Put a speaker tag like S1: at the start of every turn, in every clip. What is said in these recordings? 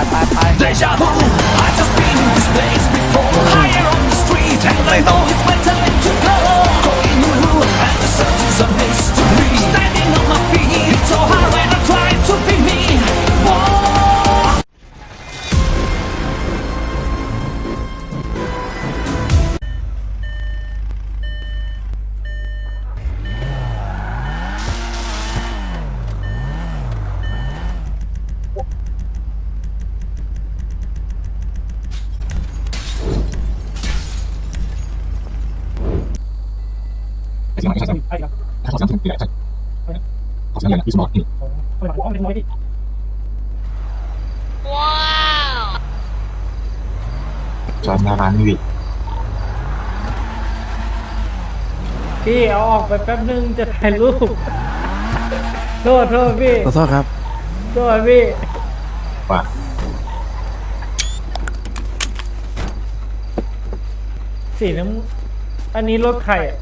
S1: ไป
S2: Deja vu, I just been in this place before. Higher on the street, and I know it's my time to go. Going new, and the search is a mystery. Standing on my feet, it's so hard when I try to be me. Whoa.
S3: จอดหน้าร้านนี่วิ
S4: พี่เอาออกไปแป๊บนึงจะถ่ายรูปโทษพี่
S5: ขอโทษครับ
S4: โทษพี่
S3: ว่า
S4: สีน้ำอันนี้รถใครอ่ะ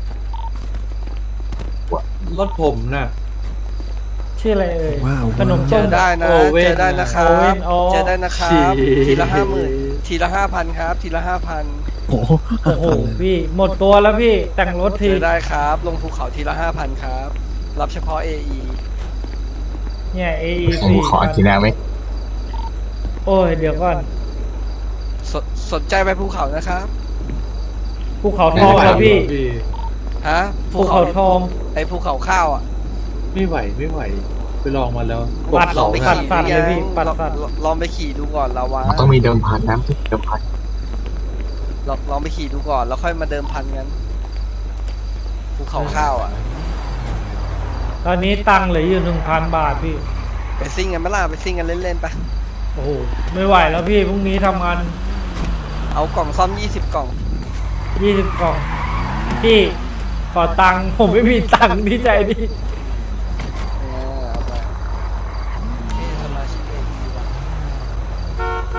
S6: รถผมน่ะ
S4: ชื่ออะไรเอ่ย
S5: ว้าว
S4: ขนม
S1: เจ
S4: ต้ม
S1: อได้นะ
S6: โอเว่น
S1: เจอได้นะครับ
S4: โอเว่นอ๋อ
S1: เจอได้นะครับ
S6: ฉี่
S1: ทีละ50,000ทีละ5,000ครับ ทีละ5,000
S5: โอ้โห
S4: โอ้โหพี่หมดตัวแล้วพี่แต่งรถ
S1: เจ
S4: ที
S1: อได้ครับ ลงภูเขาทีละ5,000ครับ รับเฉพาะ AE
S4: เนี่ย
S3: ผม
S4: AEC
S3: ขอทีหน้าไหม
S4: โอ้ยเดี๋ยวก่อน
S1: สนใจไปภูเขานะครับ
S4: ภูเขาทองแล้วพี่
S1: ฮะ
S4: ภูเขาทอง
S1: ไอภูเขาข้าวอ่ะ
S6: ไม่ไหวไปลองมาแล้ว
S4: ปัด
S1: ลองไป
S4: ปัด
S1: ขี่
S4: สัตว์เลยพี่
S1: หรือ
S4: ปัด
S1: ยัง
S4: สัตว์
S1: ลองไปขี่ดูก่อนละวะ
S3: มันต้องมีเดิมพันนะเดิมพัน
S1: ลองไปขี่ดูก่อนแล้วค่อยมาเดิมพันกันภูเขาข้าวอ่ะ
S4: ตอนนี้ตังค์เหลืออยู่1,000 บาทพี่
S1: ไปซิ่งกันไหมล่ะไปซิ่งกันเล่นๆไป
S4: โอ้โหไม่ไหวแล้วพี่พรุ่งนี้ทำงาน
S1: เอากล่องซ่อม20 กล่อง
S4: 20 กล่องพี่ขอตังค์ผมไม่มีตังค์ที่ใจดิ
S1: เอาไปสมาชิก AE ว่ะ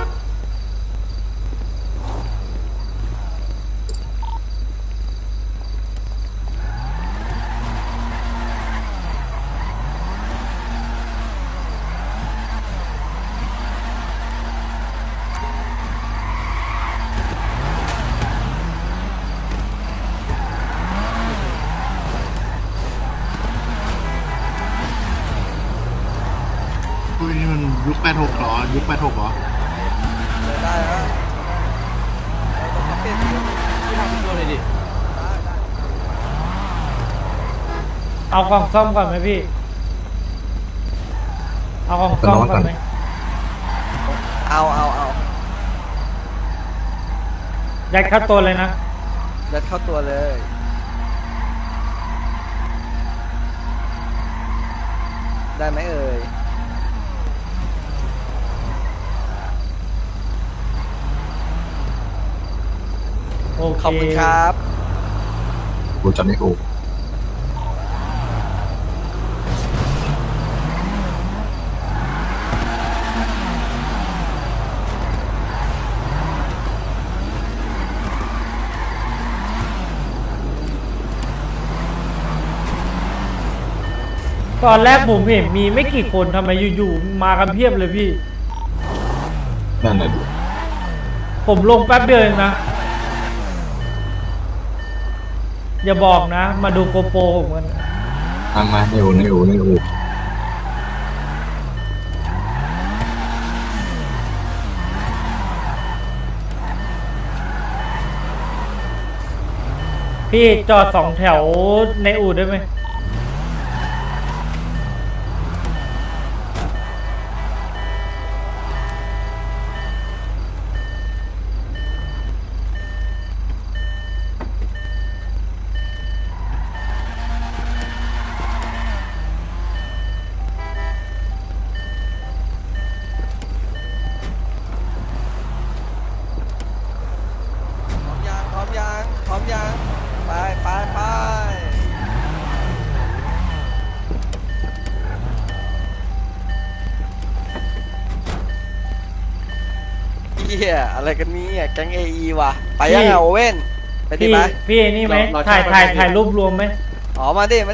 S5: อุ้ยนี่มันยุค86หรอ ยุค86หรอ
S1: ได้แล้วเราต้องเปลี่ยนสี
S6: ที่ทำเป็นตัวเลยดิ
S1: ได้
S4: เอากล่องซ่อมก่อนไหมพี่ เอากล่องซ่อมก่อนไหม
S1: เอา
S4: ยัดเข้าตัวเลยนะ
S1: ยัดเข้าตัวเลย ได้ไหมเอ่ย
S4: โอเค
S1: ขอบคุณครับ
S3: กูจำไม่ถูก
S4: ตอนแรกผมเห็นมีไม่กี่คนทำไมอยู่ๆมากันเพียบเลยพี่
S3: นั่นแหละดิ
S4: ผมลงแป๊บเดียวเองนะ อย่าบอกนะ มาดูโกโปรผมกัน
S3: มาในอู่
S4: พี่จอด2 แถวในอู่ได้ไหม
S1: พร้อมยัง ไปเฮียอะไรกันเนี่ยแก๊ง AE ว่ะ ไปยังไงโอเว่น ไปดิ
S4: พี่
S1: ไป
S4: พี่นี่ไหมถ่ายรูปรวมไหม
S1: อ๋อ มาดิ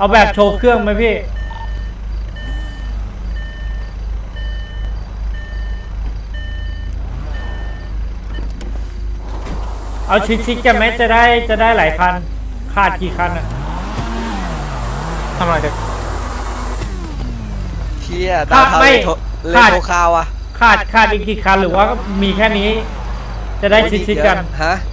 S4: เอาแบบโชว์เครื่องไหมพี่ เอาชิดๆกันไหมจะได้หลายคัน ขาดกี่คันอ่ะ
S7: ทำอะไรเด็ก
S1: เที่ยดาวเทา
S4: ไม่
S1: เลโทคาวอะ
S4: ขาดอีกกี่คันหรือว่ามีแค่นี้ จะได้ชิดๆกัน
S1: ฮะ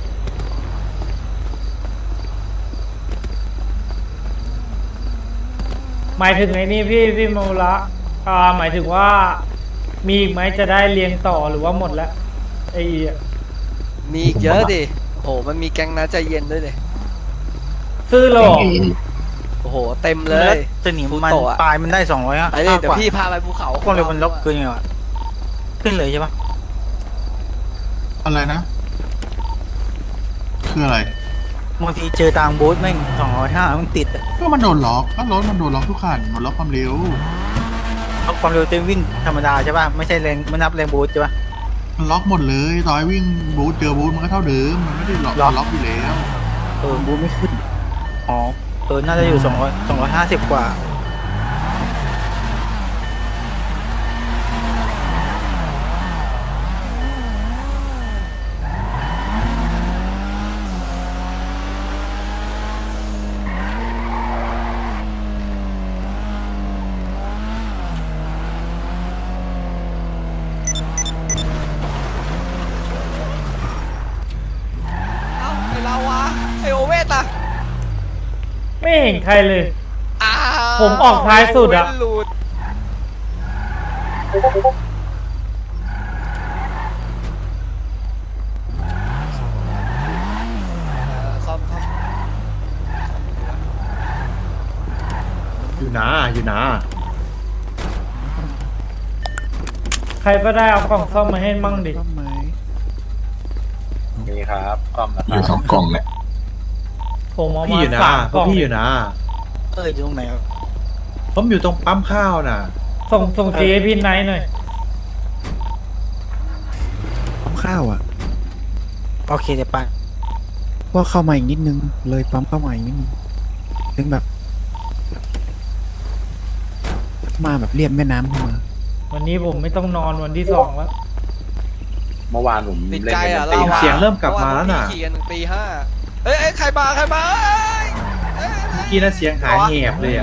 S4: หมายถึงไอ้นี่พี่โมละหมายถึงว่ามีอีกไหมจะได้เรียงต่อหรือว่าหมดแล้วไอ้
S1: มีอีกเยอะดิโหมันมีแก๊งน้าใจเย็นด้วยดิ
S4: ซื้อโล
S1: โอ้โหเต็มเลย
S7: จะหนี
S1: ฟู
S7: มัน
S1: โตะอะ
S7: ปลายมันได้200อ่ะ
S1: ไปเลยเดี๋ยวพี่พาไปภูเขา
S7: ความเร็วมันล็อกเกินยังไงวะขึ้นเลยใช่ปะ
S5: อะไรนะ คืออะไร
S7: บางทีเจอทางโบ๊ทแม่ง205มันติดอะ
S5: ก็มันโดนล็อกก็รถมันโดนล็อกทุกคันมันล็อกความเร็ว
S7: เอาความเร็วเต็มวิ่งธรรมดาใช่ปะไม่ใช่แรงไม่นับแรงโบ๊ทใช่ปะ
S5: มันล็อกหมดเลยต่อยวิ่งบูทเจอบูทมันก็เท่าเดิมมันไม่ได้ล็อกล็อกอยู่แล้ว
S7: โบ๊ทไม่ขึ้นอ๋อน่าจะอยู่250กว่า
S1: เอ้าไอเราวะไอโอเวสอะ
S4: ไม่เห็นใครเลย
S1: อ้าว
S4: ผมออกท้ายสุดอะ
S1: โเว่นหลุดซ่อม
S6: อยู่นะอยู่นะ
S4: ใครก็ได้เอากล่องซ่อมมาให้มั่งดิ
S3: มีครับซ่อมอยู่สองกล่องแหละ
S4: ผมเอา
S6: พี่
S4: มา
S6: อยู่นะ
S4: 3 กล่อง
S6: พี่อยู่นะ
S7: อยู่ตรงไหนวะ
S6: ผมอยู่ตรงปั๊มข้าวน่ะ
S4: ส่งจีให้พี่ไนท์หน่อย
S8: ปั๊มข้าวอ่ะ
S7: โอเคเดี๋ยวไป
S8: ว่าเข้ามาอีกนิดนึง เลยปั๊มเข้ามาอีกนิดนึงถึงแบบ มาแบบเรียบแม่น้ำเข้ามา
S4: วันนี้ผมไม่ต้องนอนวันที่ 2 แล้ว
S3: เมื่อวานผม
S1: ติด
S3: เล่น
S1: ใจ
S3: เป็น
S1: อ่ะ
S3: ตี
S1: เรา
S3: ห้า
S6: เสียงเริ่มกลับมาแล้วน่ะ
S1: เอขี่กันถึงตี 5เอ้ยใครมาเอ้ย
S6: เมื่อกี้น่ะเสียงหายแหบเลยอ่ะ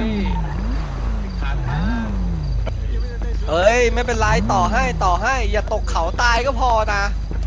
S1: เอ้ยไม่เป็นไรต่อให้อย่าตกเขาตายก็พอนะ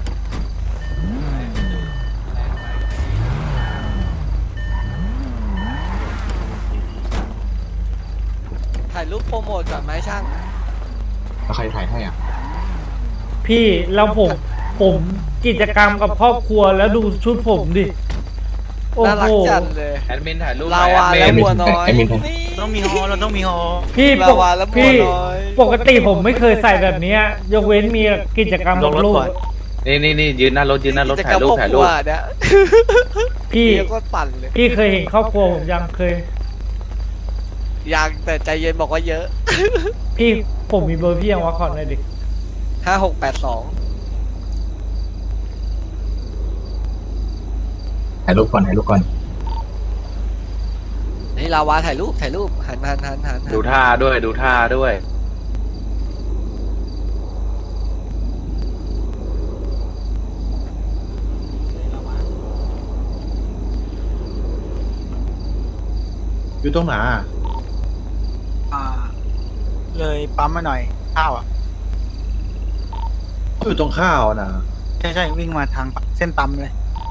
S1: ถ่ายรูปโปรโมทก่อนไหมช่าง
S3: แล้วใครถ่ายให้อ่ะ
S4: พี่แล้วผมกิจกรรมกับครอบครัวแล้วดูชุดผมดิ โอ้
S1: น่ารั
S4: โห
S1: กจังเลย
S3: แอดมินถ่ายรูป
S1: ลาวาและบัวน้อย
S3: แอดมิน
S1: นี่
S7: ต้องมีฮอเราต้องมีฮอ
S4: พี่
S1: ลาวาและบัว
S4: พี่
S1: น้อย
S4: ปกติผมไม่เคยใส่แบบเนี้ยยกเว้นมีกิจกรรมกับลูก
S3: นี่ยืนหน้ารถ
S1: กิจกรรมครอบครัวเนี่ย
S4: พี่
S1: เรียกว่าปั่นเลย
S4: พี่เคยเห็นครอบครัวผมยังเคย
S1: ยังแต่ใจเย็นบอกว่าเยอะ
S4: พี่ผมมีเบอร์พี่ยังวะขอหน่อยดิ
S1: 5682
S3: ถ่ายรูปก่อนถ่ายรูปก่อน
S1: นี่ลาวาถ่ายรูปหัน
S3: ดูท่าด้วย
S6: อยู่ตรงไหนอะ
S7: เลยปั๊มมาหน่อยข้าวอ่ะ
S6: อยู่ตรงข้าวน่ะ
S7: ใช่วิ่งมาทางเส้นปั๊มเลย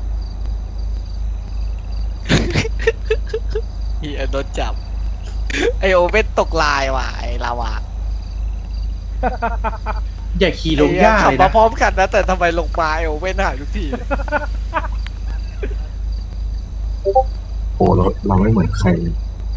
S1: เฮียโดนจับ ไอโอเว่นตกลายว่ะไอลาวา
S6: อย่าขี่ลงหญ้า
S1: ขับ
S6: เลย
S1: มา
S6: นะ
S1: พร้อมกันนะ แต่ทำไมลงมาไอโอเว่นหายทุกทีเลย
S3: โอ้เราไม่เหมือนใครเลย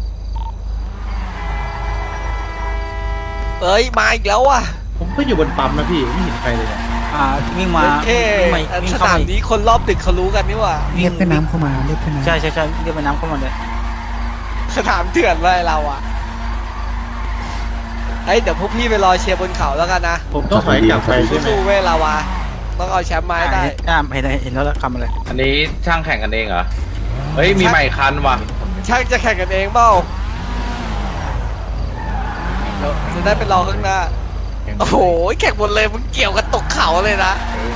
S1: เอ้ยมาอีกแล้วว่ะ
S6: ผมก็อยู่บนปั๊มนะพี่ไม่เห็นใครเลยเนี่ย
S7: วิ่งมา
S1: เท่
S7: วิ่ง
S1: ส
S7: เข้า
S1: นา
S7: มา
S1: มนี้คนรอบดึกเขารู้กันนี่ว่ะ
S8: เรียบแม่น้ำเข้ามา เรียบแม่น้ำ
S7: ใช่เรียกไปน้ำเข้ามาเลย
S1: สนามเถื่อนว่ะไอเราอ่ะเฮ้ยเดี๋ยวพวกพี่ไปรอเชียร์บนเขาแล้วกันนะ
S6: ผมต้องถอยกลับไปใช่ไหม
S1: สู้ๆเว้ยลาวาต้องเอาแชมป์มาให้ได้
S7: เห็นแล้วคำอะไร
S3: อันนี้ช่างแข่งกันเองเหรอ เฮ้ยมีใหม่คันว่ะ
S1: ช่างจะแข่งกันเองเปล่าเดี๋ยวจะได้ไปรอข้างหน้า โอ้โหแข่งหมดเลยมึงเกี่ยวกันตกเขาเลยนะ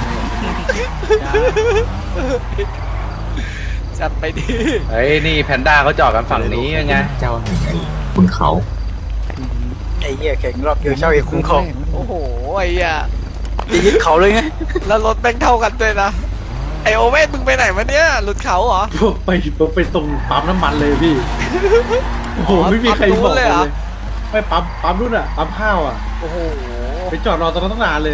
S1: จัดไปดิ
S6: เฮ้ยนี่แพนด้าเขาจอดกันฝั่งนี้ยังไง
S3: เจ้าแห่งไอ้คุณเขา
S7: ไอ้เหี้ยแข่งรอบเดียวเช่าเอกคุ้มครอง
S1: โอ้โหไอ้เหี้ย
S7: จะยึดเขาเลยไง
S1: แล้วรถแม่งเท่ากันด้วยนะไอโอเว่นมึงไปไหนมาเนี่ยหลุดเขาเหรอ
S6: ไปตรงปั๊มน้ำมันเลยพี่ โอ้โหไม่มีใครบอกเลยไม่ปั๊มรุ่นอ่ะปั๊มข้าวอ่ะ
S1: โอ้โห
S6: ไปจอดรอตรงนั้นตั้งนานเลย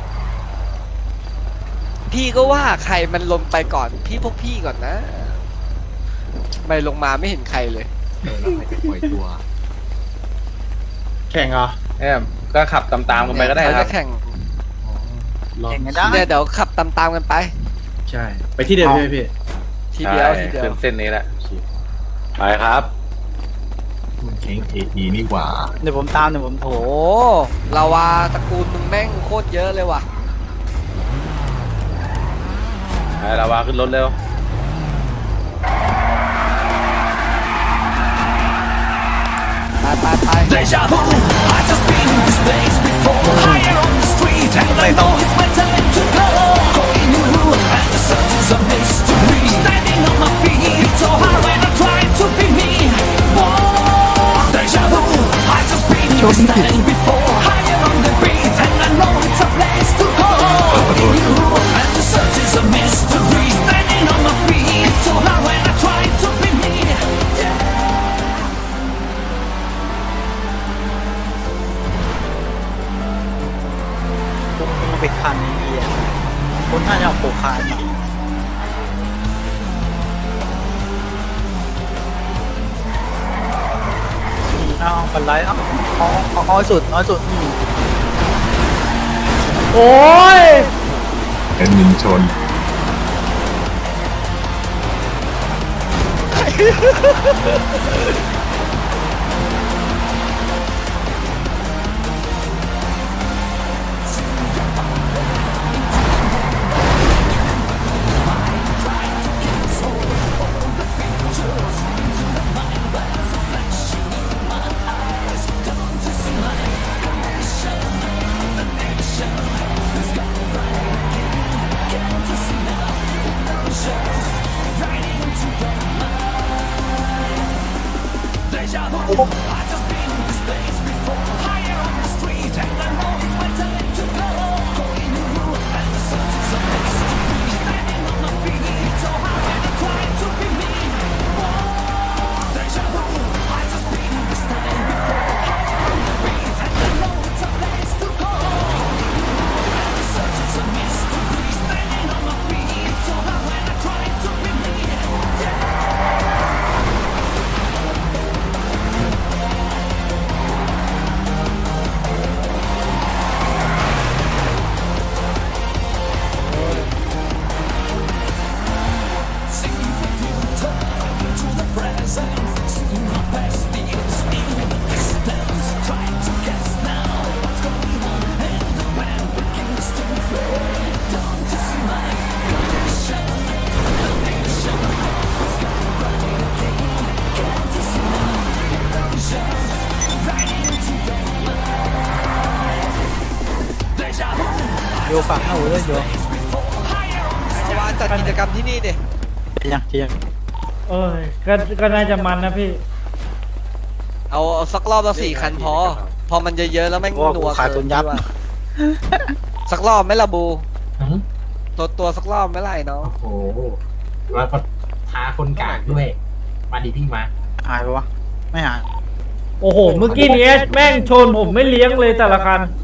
S1: พี่ก็ว่าใครมันลงไปก่อนพวกพี่ก่อนนะไม่ลงมาไม่เห็นใครเลย
S3: แล้วใครจะปล่อยตัว
S6: แข่งเหรอก็ขับตามๆกันไปก็ได้
S1: เขา
S6: ครั
S1: จะ
S6: บ
S1: แข่ง
S7: แข่งกันได้
S1: เนี่ยเดี๋ยวขับตามๆกันไป
S6: ใช่ ไปที่เดิมใช่ไหมพี่
S1: ทีเดียวทีเดียว
S6: ขึ้นเส้นนี้แหละไปครับ
S3: มันแข่งเอทีนี่หว่า
S7: เดี๋ยวผมตามเดี๋ยวผมโถ
S1: โอ้ลาวาตระกูลมึงแม่งโคตรเยอะเลยว่ะ
S6: ไปลาวาขึ้นรถเร็ว
S1: ไป
S2: Deja vu, I've just been in this place before. Higher on the street, and I know it's my time to go. Going new, and the search is a mystery. Standing on my feet, it's so hard when I try to be me. Whoa, deja vu, I've just been in this place before. Higher on the beat, and I know it's a place to go. Going new, and the search is a mystery. Standing on my feet, it's so hard when I try to be me. Yeah.
S7: ไปคันไอ้เหี้ยคนน่าจะเอาโปคานมาเอาเป็นไรเอาน้อยสุด
S4: โอ้ย
S3: เป็นมินชน
S7: โยฝากเข้าเลยโย
S1: ลาวาจัดกิจกรรมที่นี่ดิ
S7: ยัง
S4: เอ้ยก็น่าจะมันนะพี่
S1: เอาสักรอบละ4 คันพอมันเยอะๆแล้วแม่ง
S7: ว่า
S1: นั
S7: กู
S1: ว
S7: ขายตุนยับ
S1: เกินสักรอบไหมล่ะบูตัวสักรอบไหมล่ะไอ้น้อง
S9: โอ้โหแล้วก็ท้าคนกากด้วย มาดิพี่มา
S7: หายไปวะไม่หาย
S4: โอ้โห เมื่อกี้นี้แม่งชนผมไม่เลี้ยงเลยแต่ละคัน